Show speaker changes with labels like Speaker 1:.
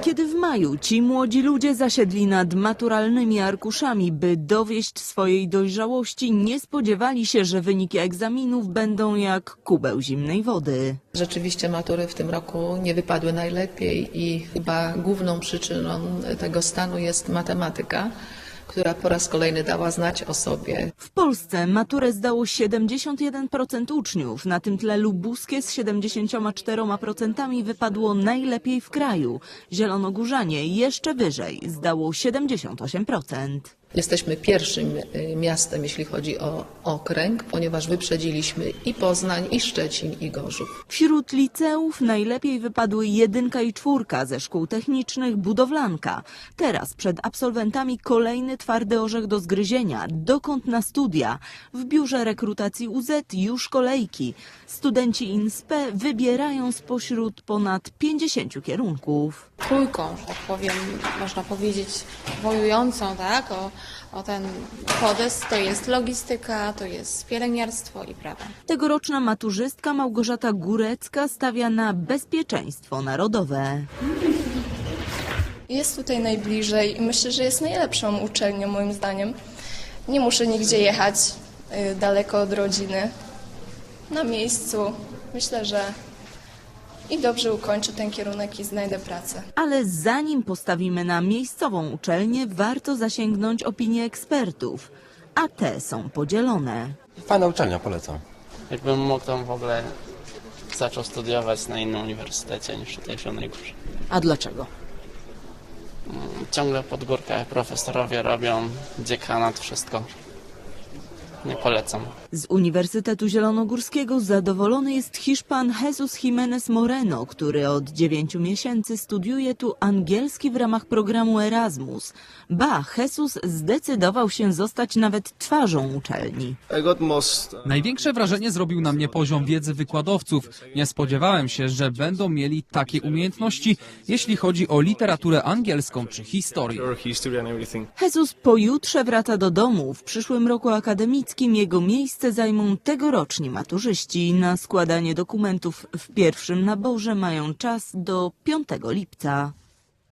Speaker 1: Kiedy w maju ci młodzi ludzie zasiedli nad maturalnymi arkuszami, by dowieść swojej dojrzałości, nie spodziewali się, że wyniki egzaminów będą jak kubeł zimnej wody.
Speaker 2: Rzeczywiście matury w tym roku nie wypadły najlepiej i chyba główną przyczyną tego stanu jest matematyka, która po raz kolejny dała znać o sobie.
Speaker 1: W Polsce maturę zdało 71% uczniów. Na tym tle lubuskie z 74% wypadło najlepiej w kraju. Zielonogórzanie jeszcze wyżej, zdało 78%.
Speaker 2: Jesteśmy pierwszym miastem, jeśli chodzi o okręg, ponieważ wyprzedziliśmy i Poznań, i Szczecin, i Gorzów.
Speaker 1: Wśród liceów najlepiej wypadły 1 i 4 ze szkół technicznych, budowlanka. Teraz przed absolwentami kolejny twardy orzech do zgryzienia. Dokąd na studia? W biurze rekrutacji UZ już kolejki. Studenci INSPE wybierają spośród ponad 50 kierunków.
Speaker 3: Trójką, że tak powiem, można powiedzieć wojującą, tak, o ten podest, to jest logistyka, to jest pielęgniarstwo i prawo.
Speaker 1: Tegoroczna maturzystka Małgorzata Górecka stawia na bezpieczeństwo narodowe.
Speaker 4: Jest tutaj najbliżej i myślę, że jest najlepszą uczelnią moim zdaniem. Nie muszę nigdzie jechać daleko od rodziny. Na miejscu myślę, że i dobrze ukończę ten kierunek i znajdę pracę.
Speaker 1: Ale zanim postawimy na miejscową uczelnię, warto zasięgnąć opinii ekspertów. A te są podzielone.
Speaker 5: Fajna uczelnia, polecam.
Speaker 6: Jakbym mógł tam w ogóle zaczął studiować na innym uniwersytecie niż tutaj w Zielonej Górze.
Speaker 1: A dlaczego?
Speaker 6: Ciągle pod górkę profesorowie robią, dziekanat, wszystko. Nie polecam.
Speaker 1: Z Uniwersytetu Zielonogórskiego zadowolony jest Hiszpan Jesus Jimenez Moreno, który od 9 miesięcy studiuje tu angielski w ramach programu Erasmus. Ba, Jesus zdecydował się zostać nawet twarzą uczelni.
Speaker 7: Największe wrażenie zrobił na mnie poziom wiedzy wykładowców. Nie spodziewałem się, że będą mieli takie umiejętności, jeśli chodzi o literaturę angielską czy historię.
Speaker 1: Jesus pojutrze wraca do domu. W przyszłym roku akademickim jego miejsce zajmą tegoroczni maturzyści. Na składanie dokumentów w pierwszym naborze mają czas do 5 lipca.